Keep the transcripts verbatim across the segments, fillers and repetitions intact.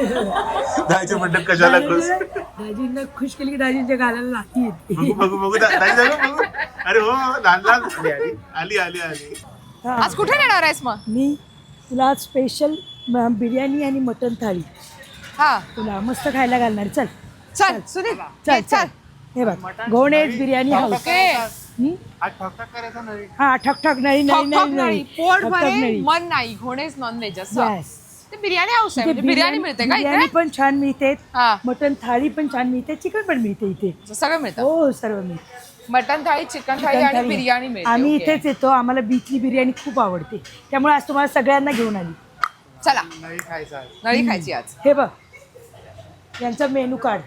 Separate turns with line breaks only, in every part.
दाजीचे मटण कशाला खुश?
दाजींना खुश केली की दाजींच्या गालाला लाती येते.
बघू बघू बघू दा- दाजी जाऊ बघू. अरे हो लहान लहान आली आली आली आली
हा.
आज कुठे नेणार आहेस मग?
मी तुला आज स्पेशल बिर्याणी आणि मटण थाळी
हा
तुला मस्त खायला घालणार. चल
चल सुनील
चल
ये,
चल हे बघ घोणेज बिर्याणी हाऊस.
ओके
हं?
आज ठकठक करायचा नाही.
हा ठक ठक नळी
ठक
नळी
ठक
नळी
नाही
नळी
पोट
ठक ठक
भरेल
नळी.
मन नाही घोणेच नॉनव्हेज असं
Yes.
ते बिर्याणी हाऊस आहे
इथे
म्हणजे बिर्याणी मिळते का
बिर्याणी
इथे?
पण छान मिळते,
हा
मटण थाळी पण छान मिळते, चिकन पण मिळते इथे.
सगळं मिळतं
हो सर्व मिळते.
मटन थाळी चिकन थाळी
चिकन
आणि
थाळी.
बिर्याणी मिळते.
आम्ही
ओके.
इथेच येतो, आम्हाला बीचची बिर्याणी खूप आवडते, त्यामुळे आज तुम्हाला सगळ्यांना घेऊन आली.
चला
नाही खायचा आहे.
नळी खायची आज.
हे बघ यांचा मेनू कार्ड.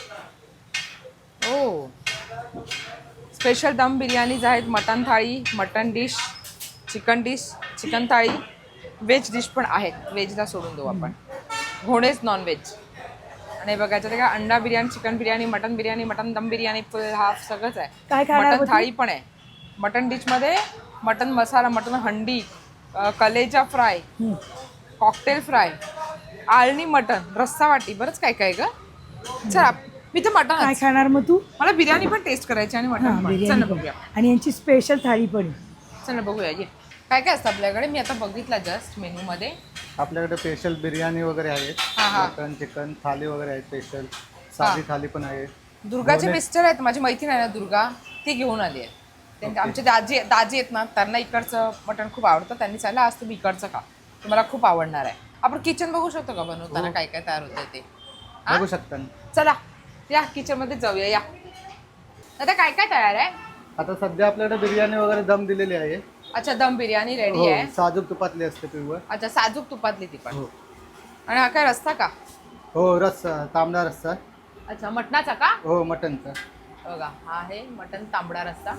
ओ स्पेशल दम बिर्याणीज आहेत, मटन थाळी, mutton dish, chicken dish, chicken थाळी, व्हेज डिश पण आहेत. व्हेजला सोडून देऊ आपण, घोडेच नॉनव्हेज. आणि बघायचं ते का अंडा biryani, chicken biryani, mutton biryani, mutton dum biryani, फुल हाफ सगळंच आहे.
काय खाणार
मटन
होती?
थाळी पण आहे. मटन डिशमध्ये मटन मसाला, मटन हंडी, अ, कलेजा फ्राय,
हं.
कॉकटेल फ्राय, आळणी मटन, रस्सा वाटी, बरंच काय काय ग. चला मी तर
काय
मटन,
खाणार मग तू?
मला बिर्याणी पण टेस्ट करायची आणि
हा
मटन पण. चल
बिर्याणी
ना
पण.
बघूया,
आणि यांची स्पेशल थाळी पण आहे.
चल ना बघूया ये काय काय असतं आपल्याकडे. मी आता बघितलं जस्ट मेनू मध्ये.
आपल्याकडे स्पेशल बिर्याणी वगैरे आहेत,
हा, हा.
मटन चिकन थाली वगैरे आहेत, स्पेशल साधी थाली पण आहे.
दुर्गाचे मिस्टर आहेत, माझी मैत्रीण आहे ना दुर्गा, ती घेऊन आली आहे. त्यांचे आमचे दाजी दाजी आहेत ना, त्यांना इकडचं मटण खूप आवडतं. त्यांनी सांगितलं आज तुम्ही इकडचं खा, तुम्हाला खूप आवडणार आहे. आपण किचन बघू शकतो का बनवताना काय काय तयार होतं ते? हा?
बघू शकता ना.
चला या किचन मध्ये जाऊया. या आता काय काय तयार आहे?
आता सध्या आपल्याकडे बिर्याणी वगैरे दम दिलेली आहे.
अच्छा दम बिर्याणी रेडी
हो,
आहे.
साजूक तुपातली असते पिवळ.
अच्छा साजूक तुपातली ती पण.
हो
आणि हा काय रस्ता का?
हो रस्सा, तांबडा रस्सा.
अच्छा मटणाचा का?
हो मटनचा.
बघा हा आहे मटण तांबडा रस्सा.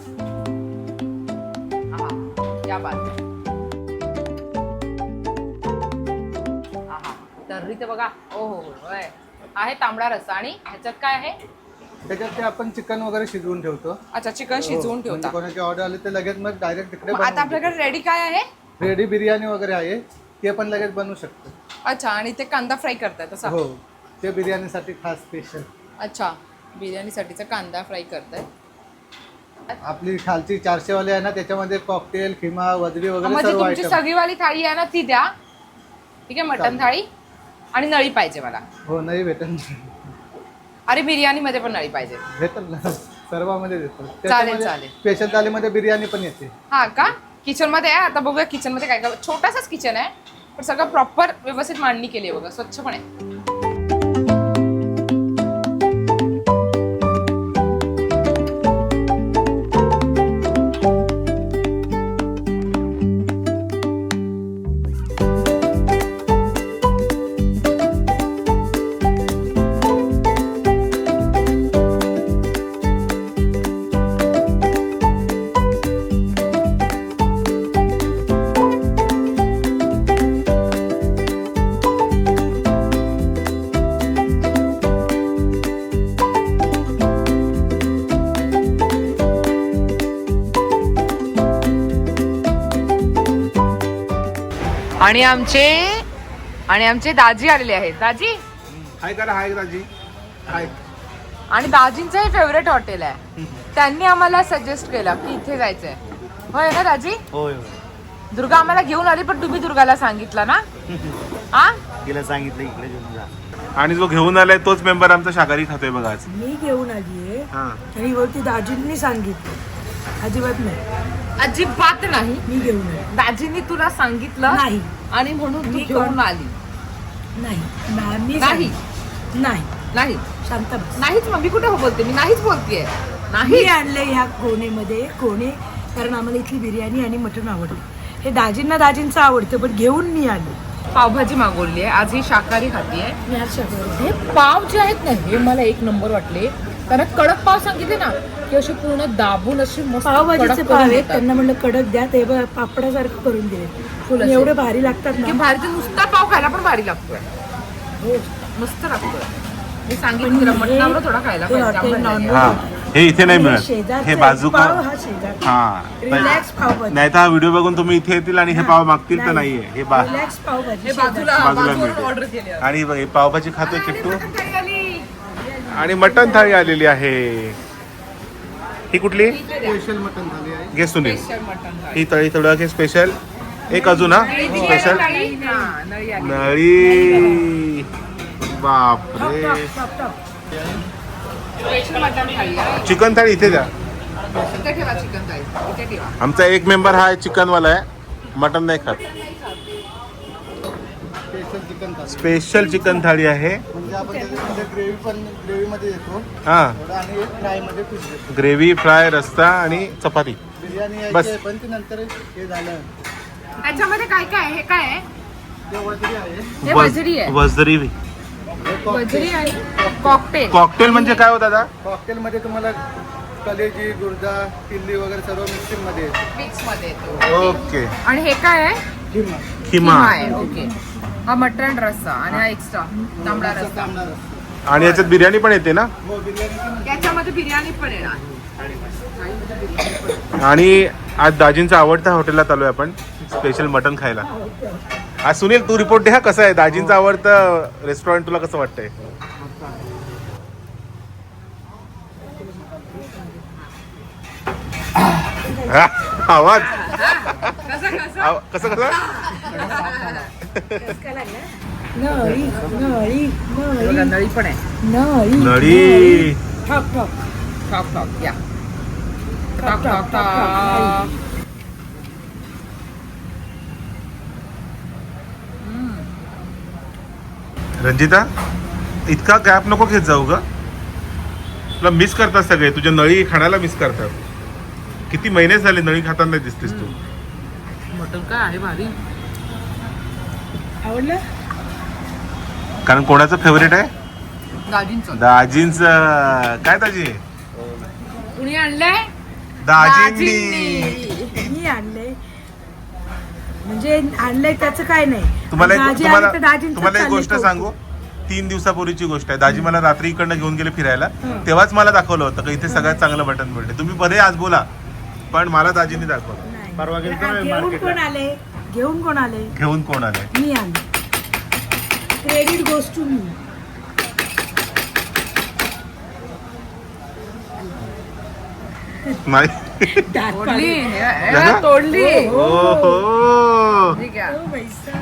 आहा या बात. आहा तर्री तर बघा. ओ हो हो होय. आहे तांबडा रस्सा. आणि ह्याच्यात काय आहे?
त्याच्यात ते आपण चिकन वगैरे शिजवून ठेवतो.
अच्छा चिकन शिजवून
म्हणजे
ठेवता.
कोणाची ऑर्डर आली तर लगेच मग डायरेक्ट तिकडे
मग आता आपल्याकडे रेडी काय आहे?
रेडी बिर्याणी वगैरे आहे, ते पण लगेच बनवू शकतो.
अच्छा आणि ते कांदा फ्राय करताय तसा?
हो ते बिर्याणीसाठी खास स्पेशल.
अच्छा बिर्याणीसाठीचा कांदा फ्राय करताय.
आपली खालची चारशे वाली आहे ना, त्याच्यामध्ये कॉकटेल, खिमा, वजरी वगैरे
म्हणजे
सर्व
तुमची
आयटम.
सगळीवाली थाळी आहे ना ती द्या. ठीक आहे मटण थाळी आणि नळी पाहिजे मला.
हो नाही भेटेल,
अरे बिर्याणी मध्ये पण नळी पाहिजे.
भेटेल ना, सर्वांमध्ये देतो.
चालेल, चालेल.
स्पेशल थालीमध्ये बिर्याणी पण येते.
हा का? किचन मध्ये आहे. आता बघूया किचन मध्ये काय काय. छोटासाच किचन आहे पण सगळं प्रॉपर व्यवस्थित मांडणी केली आहे बघा, स्वच्छ पण आहे. आणि आमचे आणि आमचे दाजी आलेले आहेत. दाजी
हाय करा हाय दाजी हाय.
आणि दाजींचं हे फेवरेट हॉटेल आहे. त्यांनी आम्हाला सजेस्ट केलं की इथे जायचंय. होय ना दाजी?
होय होय
दुर्गा आम्हाला घेऊन आली पण तुम्ही दुर्गाला सांगितलं ना? हा
तिला सांगितलं इकडे घेऊन जा.
आणि जो घेऊन आलाय तोच मेंबर आमचा शाकाहारी खातोय बघा आज.
मी घेऊन आली आहे
हा
आणि वरती दाजींनी सांगितलं, अजिबात नाही
अजिबात नाही.
मी घेऊन आली.
दाजींनी तुला सांगितलं
नाही
आणि म्हणून तू
मी
घेऊन
कोण-
आली.
नाही ना- मी
नाही.
सांगितलं. नाही
नाही
शांत बस.
नाहीच मग मी कुठे हो बोलते? मी नाहीच बोलतेय.
मी
नाही
आणले ह्या कोणेमध्ये कोणे, कारण आम्हाला इथली बिर्याणी आणि मटण आवडतं. हे दाजींना दाजींचं आवडतं पण घेऊन मी आले.
पावभाजी मागवली आहे आज. ही शाकाहारी खातीये.
मी आज शाकाहारी.
हे पाव जे आहेत ना हे मला एक नंबर वाटले. कारण कडक पाव सांगितले ना की असे पूर्ण दाबून असे मस्त
पावभाजीचे
कडक
पाव
करून
आहेत,
देतात.
त्यांना म्हणलं कडक द्या, ते बघ पापडासारखं करून दिले.
फुल असे.
एवढे भारी लागतात
की
ना.
भारी ते नुसता पाव खायला पण भारी लागतोय.
हो
मस्त लागतोय. मी सांगितलं तुला मटणावर थोडा खायला
हे
पाहिजे,
हॉटेल
आंबट
नॉन
आहे.
हा हे इथे नाही
आणि हे
मिळत
शेजारचं
हे
आहे.
बाजू
पाव हा शेजार
हा
रिलॅक्स पावभाजी
नाही तर हा व्हिडिओ बघून तुम्ही इथे येतील आणि हे पाव मागतील तर नाहीये हे बा
रिलॅक्स पावभाजी
हे बाजूला
बाजूला
बाजूला ऑर्डर
मिळते
केली
आणि बघ, हे पावभाजी खातोय किट्टू
थाळी आली.
आणि मटण थाळी आलेली आहे ही कुठली
स्पेशल मटन झाली आहे.
घे सुनील
स्पेशल मटण थाळी.
ही तळी थोडं घे स्पेशल एक अजून हा स्पेशल
थाळी? हा, नळी आली.
नळी बापरे
टॉप टॉप
स्पेशल मटण थाळी आहे.
चिकन थाळी इथे द्या
इथे ठेवा चिकन थाळी इथे ठेवा.
आमचा एक मेंबर हा चिकनवाला आहे मटन नाही खात
special chicken thali.
Special chicken thali आहे
म्हणजे आपण त्याच्यामध्ये ग्रेव्ही पण ग्रेव्हीमध्ये देतो
हा
थोडं आणि फ्रायमध्ये पीस देतो.
ग्रेव्ही फ्राय रस्सा आणि चपाती
बिर्याणी
बस.
यायची आहे, पण ती नंतर हे झालं
याच्यामध्ये काय काय आहे? हे काय आहे?
ते वजरी आहे.
हे वजरी आहे.
वजरी
हे
वजरी आहे कॉकटेल.
कॉकटेल म्हणजे काय हो दादा
कॉकटेलमध्ये तुम्हाला कलेजी गुर्दा किल्ली वगैरे सर्व मिक्सिंग मध्ये येते.
मिक्स मध्ये येतो.
ओके
आणि हे काय आहे?
किंवा
किमा
आहे. ओके. हा मटण रस्सा आणि हा एक्स्ट्रा तांबडा रस्सा.
तांबडा रस्सा.
आणि याच्यात बिर्याणी पण येते ना
हो बिर्याणी
याच्यामध्ये बिर्याणी पण येणार.
आणि आज दाजींचा आवडता हॉटेलला आलोय आपण स्पेशल मटन खायला आज सुनील तू रिपोर्ट दे हा कसं आहे दाजींचं आवडतं रेस्टॉरंट तुला कसं वाटतंय हा, आवाज
कसं कसं?
आव- कसं कसं
नळी नळी
बघा,
नळी
नळी पण आहे.
नळी
नळी
टॉप टॉप
टॉक टॉक या
टॉक
टॉक
टॉक
टॉक टॉक.
रंजिता इतका गॅप नको घेत जाऊ ग तुला मिस करतात सगळे तुझ्या नळी खाण्याला मिस करतात किती महिने झाले नळी खाताना दिसतेस तू
मटण काय आहे भारी.
आवडलं
कारण कोणाचं फेवरेट आहे
दाजींचं.
दाजींच काय दाजी
कुणी आणलंय?
दाजींनी
मी आणलंय म्हणजे आणलंय त्याचं काय नाही
तुम्हाला एक-
दाजी
तुम्हाला
आली तर दाजींचं
तुम्हाला एक
चाललंय
गोष्ट
कौतुक.
सांगू तीन दिवसापूर्वीची गोष्ट आहे दाजी मला रात्री इकडनं घेऊन गेले फिरायला
हं.
तेव्हाच मला दाखवलं होतं की इथे सगळ्यात चांगलं मटण मिळते तुम्ही बरे आज बोला पण मला दाजींनी दाखवलं
नाही.
परवा गेलतो
हा,
ना
घेऊन
market
कोण
ला.
आले घेऊन कोण आले
घेऊन कोण आले
मी आले क्रेडिट गोस टू मी
नाही
दात
तोडली.
पाडले.
हे- हे तोडली.
ओ हो
ठीक आहे.
ओ पैसा.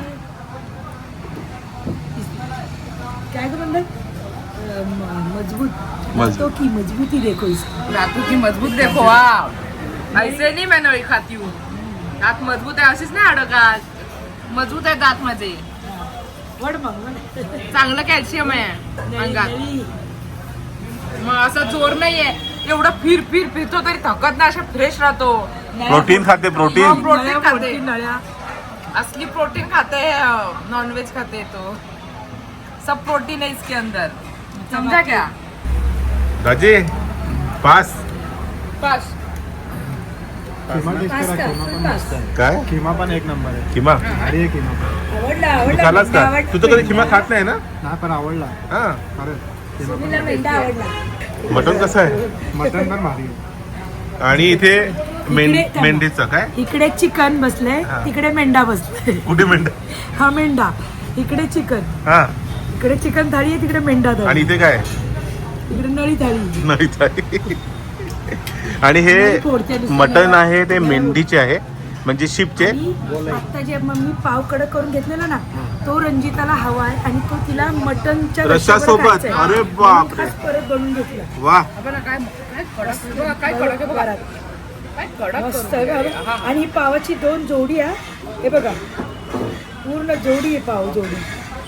काय ग म्हणतात अं, म- मजबूत
मजबूत.
तो की मजबूती देखो इसकी.
दातू की मजबूत देखो वाव. ऐसे नाही मैं नळी खाती हूँ. दात मजबूत आहे अशीच नाही अडकात मजबूत आहे दात माझे
वड मग वड.
चांगलं कॅल्शियम आहे
नळी,
अंगात
नळी.
मग असं जोर नाहीये एवढं फिर फिर फिरतो तरी थकत नाही अशा फ्रेश राहतो.
प्रोटीन खाते
हो,
प्रोटीन
प्रोटीन
नळ्या
खाते.
फोडती नळ्या.
असली प्रोटीन खाते नॉनवेज खाते तो सब प्रोटीन है इसके अंदर समझा क्या?
दाजी पास
बस
किमा टेस्ट करा,
पास्ता,
किमा पण
पास्ता.
मस्त आहे.
काय
किमा पण एक नंबर आहे
किमा
भारी आहे किमा पण.
आवडला
तू
आवडला
खालास
मेंढा
का
आवडला.
तू तर कधी किमा खात नाही ना
नाही पण आवडला
हा
खरंच किमा पण
सुनीलला मेंढा आवडला
मटण कसं आहे
मटन पण भारी आहे.
आणि इथे मेंढ
इकडे थांबा.
मेंढीचं काय
इकडे चिकन बसलंय
हा.
तिकडे मेंढा बसलाय
कुठे मेंढ
हा मेंढा इकडे चिकन
हा
इकडे चिकन थाळी आहे तिकडे मेंढा
आणि
थाळी
इथे काय
इकडे नळी थाळी
नाही थाळी. आणि हे
नळी फोडते नुसतं.
मटण आहे ते मेंढीचे आहे म्हणजे शिपचे
आणि आता जे मग मी पाव कडक करून घेतलेला ना तो रंजिताला हवाय आणि तो तिला मटनच्या
रश्श्यासोबत?
रश्श्यावर खायचा आहे.
अरे
म्हणून
बापरे.
खास परत बनवून घेतला
वा
आपण काय काय कडक बघा, काय कडक आहे बघा.
घरात.
काय कडक
मस्त
करून
आहे
ठेवलंय. हा,
बघा.
हा.
आणि ही पावाची दोन जोडी आहे हे बघा पूर्ण जोडी आहे पाव जोडी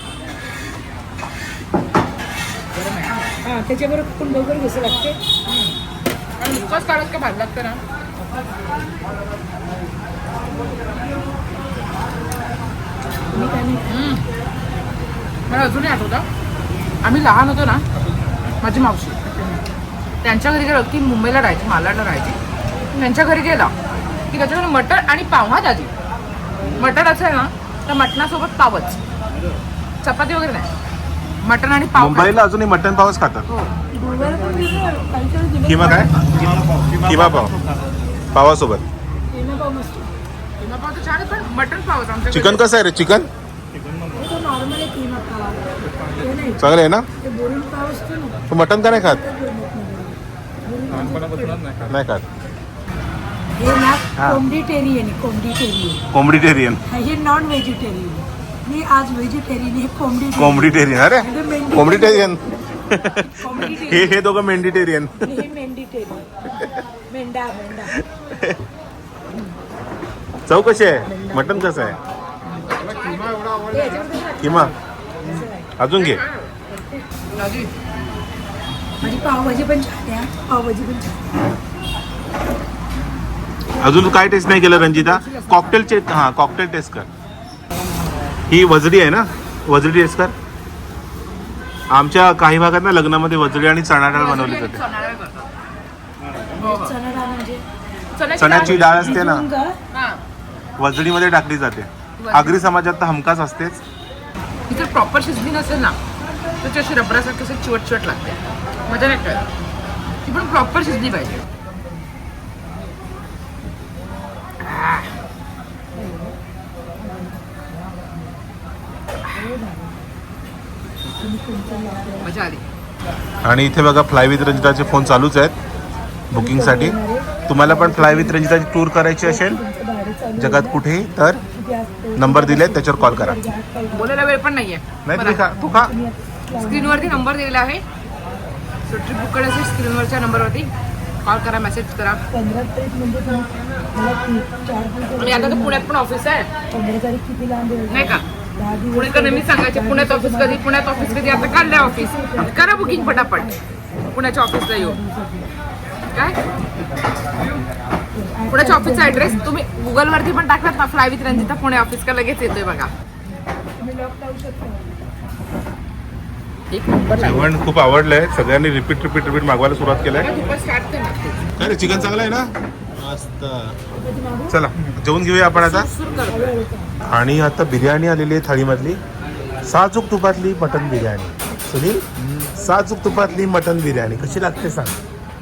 हा त्याच्याबरोबर पण लवकर घ्यायचं लागते
आणि नुकतंच काढत का भात लागतं ना
मी काय नाही
हम्म. मला अजूनही आठवतं आम्ही लहान होतो ना माझी मावशी त्यांच्या घरी गेलो की मुंबईला राहायची मालाडला राहायची त्यांच्या घरी गेला की त्याच्याकडे मटण आणि पाव हा दादी मटण असेल ना तर मटणासोबत पावच चपाती वगैरे नाही मटण आणि पाव
मुंबईला अजूनही मटन पावच खातात.
गोव्याला पण दिलं, कालच्याला दिलं.
किमा काय किमा पाव पावासोबत.
केना पाव मस्त.
किमा पाव तर छान आहे, पण मटण पावच आमच्या
चिकन कसं आहे रे? चिकन
हे तर नॉर्मल आहे केना पाव. हे नाही,
चांगलं आहे ना?
ते बोरून पाव असतो ना.
तू मटन का नाही खात?
बोरून
नाही खात.
हे ना
हा.
कोंबडीटेरियन आहे, कोंबडीटेरियन.
कोंबडीटेरियन.
हे नॉन व्हेजिटेरियन. मी आज व्हेजिटेरियन, हे कोंबडी
कोंबडीटेरियन. अरे कोंबडीटेरियन. हे हे दोघं मेंढीटेरियन.
हे मेंढीटेरियन. मेंढा मेंढा.
चव कशी आहे? मटन कसं आहे? किमा अजून घे.
माझी पावभाजी पण छान आहे. पावभाजी पण छान आहे.
अजून काय टेस्ट नाही केलं रंजिता? कॉकटेलचे हा कॉकटेल टेस्ट कर. ही वजडी आहे ना? वजडी टेस्ट कर. आमच्या काही भागात ना लग्नामध्ये वजडी आणि चणा डाळ बनवली जाते.
चणा डाळ म्हणजे
चण्याची डाळ असते ना,
भिजवून का?
हा.
वजडीमध्ये टाकली जाते. आगरी समाजात तर हमखास असतेच.
ती जर प्रॉपर शिजली नसेल ना तर अशी रबरासारखी असं चिवट चिवट लागते. मजा नाही कळत. ती पण प्रॉपर शिजली पाहिजे. मजा आली.
आणि इथे बघा फ्लाय विथ रंजिताचे फोन चालूच आहेत बुकिंगसाठी. तुम्हाला पण फ्लाय विथ रंजिताची टूर करायची असेल जगात कुठेही तर नंबर दिले त्याच्यावर कॉल करा.
बोलायला वेळ पण नाहीये.
नाही तुम्ही खा तू खा.
स्क्रीनवरती नंबर दिलेला आहे. सो ट्रिप बुक करायची स्क्रीनवरच्या नंबरवरती कॉल करा, मेसेज करा.
पंधरा तारीख म्हणजे पण मला ती- चार दिवस
आणि आता तर पुण्यात पण ऑफिस आहे
पंधरा तारीख किती लांब आहे?
नाही का?
दहा दिवस
पुणेकर नेहमी सांगायचे पुण्यात ऑफिस कधी पुण्यात ऑफिस कधी. आता काढलंय ऑफिस. करा बुकिंग पटापट पुण्याच्या ऑफिसला येऊ. काय पुण्याच्या ऑफिसचा ऍड्रेस तुम्ही गुगलवरती पण टाकलात ना, fly with Ranjita Pune office का लगेच येतोय बघा.
मी लॉक लावू शकतो.
एक नंबर
जेवण खूप आवडलंय. सगळ्यांनी रिपीट रिपीट रिपीट मागवायला सुरुवात केलंय.
स्टार्ट कर ना.
काय रे चिकन चांगलं आहे ना? मस्त. चला जेवून घेऊया आपण आता.
सुरू कर.
आणि आता बिर्याणी आलेली आहे थाळीमधली. साजूक तुपातली मटन बिर्याणी. सुनील साजूक तुपातली मटन बिर्याणी कशी लागते सांग.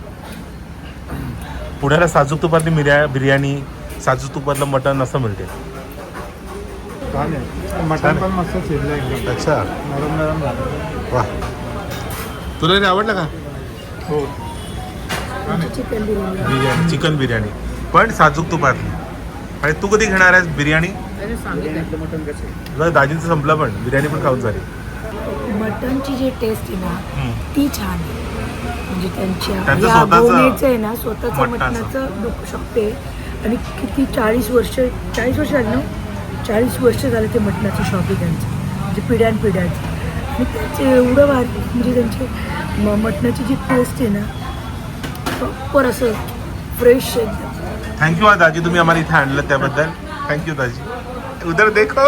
पुण्याला साजूक तुपातली मिर्या बिर्याणी साजूक तुपातलं मटन असं मिळते.
छान आहे. मटण पण मस्त शिजलं एकदम.
अच्छा
नरम नरम झालं.
वा. तुला हे आवडलं का?
हो.
चिकन बिर्याणी.
बिर्याणी चिकन बिर्याणी पण साजूक तुपातली. आणि तू कधी घेणार आहेस बिर्याणी?
त्याने सांगितलं
मटण कसं आहे?
तुला दाजींचं संपलं पण बिर्याणी पण खाऊन झाली.
मटनची जी टेस्ट आहे ना
हम्म.
ती छान आहे. म्हणजे त्यांच्या
त्यांचं
या
स्वतःचं
बोनेचं आहे ना स्वतःचं
मटणाचं.
मटणाचं डोकं शकते. आणि किती चाळीस वर्ष चाळीस वर्ष झाली ना चाळीस वर्ष झाले ते मटणाचं शॉप आहे त्यांचं. म्हणजे पिढ्यानपिढ्याचं. आणि त्यांचे एवढं भारी म्हणजे त्यांची म मटणाची जी टेस्ट आहे ना प्रॉपर असं फ्रेश एकदम.
थँक्यू हा दाजी तुम्ही आम्हाला इथे आणलं त्याबद्दल. थँक्यू दाजी. उधर देखो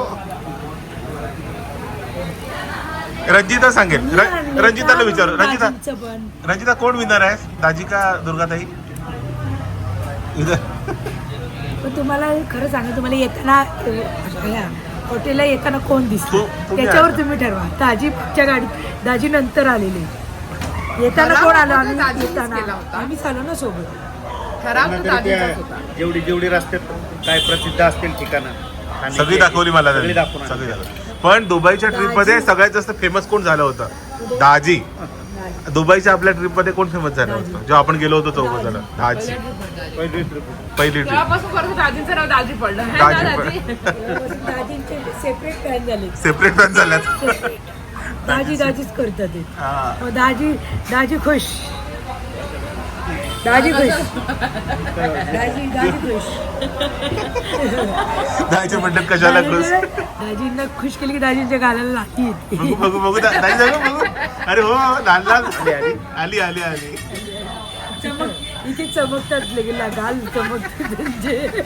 रंजिता सांगेल. र- रंजिताला विचारू. रंजिता
दाजींचं पण.
रंजिता कोण विनर आहे दाजी का दुर्गाताई? इधर
पण तुम्हाला खरं सांगा तुम्हाला येताना ह्या हॉटेलला येताना कोण दिसतो
तू- तुम्ही
त्याच्यावर
आला.
तुम्ही ठरवा. दाजी पुढच्या गाडीत दाजी नंतर आलेले. येताना
ठराव
कोण आलो
होता
आम्ही
दाजीनेच
येताना
केला होता.
आम्ही आलो ना सोबत.
ठराव तर
तरी
दाजीचाच
त्या
होता.
जेवढी जेवढी रस्त्यात काय प्रसिद्ध असतील ठिकाणं आणि
सगळी
ते-
दाखवली मला
सगळी
त्यांनी.
दाखवून
सगळी
आणली.
दाखवली. पण दुबईच्या ट्रिप मध्ये सगळ्यात जास्त फेमस कोण झालं होतं? दाजी. दुबईच्या आपल्या ट्रिप मध्ये कोण फेमस झालं होतं जेव्हा आपण गेलो होतो चौघ जण? दाजी.
पहिली trip.
पहिली ट्रिप
तेव्हापासून परत दाजींचं नाव दाजी पडलं है
दाजी
ना,
पडलं.
दाजी?
दाजींचे सेपरेट फॅन झाले.
सेपरेट फॅन झाल्यात.
दाजी दाजीच करतात ते.
हा.
मग दाजी दाजी खुश. दाजी खुश. दाजी दाजी खुश.
दाजी म्हणतात कशाला खुश.
दाजींना खुश केली की दाजींच्या गालाला लाठी येते.
बघू बघू बघू दा- दाजी जाऊ बघू. अरे हो लाल लाल आली आली आली.
चमक इथे चमकतात लगेला गाल चमकते त्यांचे.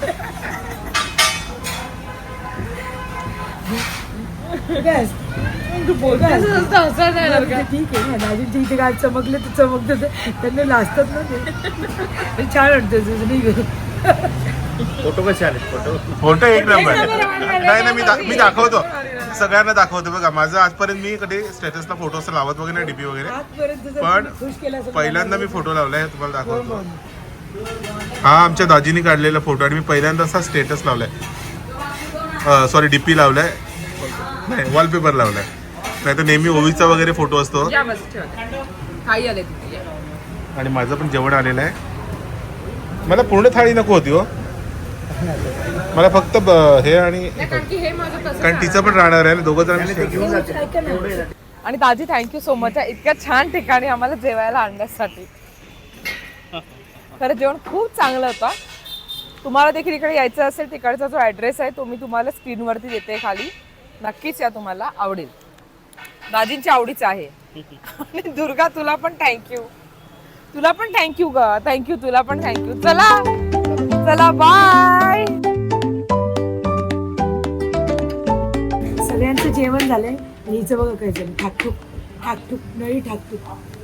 काय?
तू बोलतेस असं हसायला नाही येणार का?
ठीक आहे ना दाजींच्या इथे गाल चमकले तर चमकतात त्यांना लाजतात ना ते. ते छान वाटतं नाही
फोटो कसे आले फोटो
फोटो एक नंबर नाही ना मी दा- मी दाखवतो सगळ्यांना दाखवतो बघा. माझं आजपर्यंत मी कधी स्टेटसला फोटो असं लावत वगैरे नाही डीपी वगैरे,
आजपर्यंत जर
पण
कोणी खुश केलं असेल
पहिल्यांदा मी फोटो लावलाय तुम्हाला दाखवतो. हा आमच्या दाजीनी काढलेला फोटो आणि मी पहिल्यांदा असा स्टेटस लावलाय, सॉरी डीपी लावलाय नाही वॉलपेपर लावलाय. नाही तर नेहमी ओवीचा वगैरे फोटो असतो.
या बस ठेवा. काही आले तिथे या.
आणि माझं पण जेवण आलेलं आहे. मला पूर्ण थाळी नको होती हो, मला फक्त ब- हे आणि
नाही, कारण की हे माझं तसं
कारण तिचं पण राहणार आहे दोघं जण
घेऊन जाते.
ऐका ना.
आणि दाजी थँक्यू सो मच इतक्या छान ठिकाणी आम्हाला जेवायला आणण्यासाठी. खरं जेवण खूप चांगलं होतं. तुम्हाला देखील इकडे यायचं असेल तिकडचा जो ॲड्रेस आहे तो मी तुम्हाला स्क्रीनवरती देते खाली. नक्कीच या, तुम्हाला आवडेल. दाजींच्या आवडीचं आहे. आणि दुर्गा तुला पण थँक्यू, तुला पण थँक्यू ग, थँक्यू तुला पण थँक्यू. चला चला बाय.
सगळ्यांचं जेवण झालंय. हिचं बघा काय झालं, ठाकठूक ठाकठूक नळी ठाकठूक.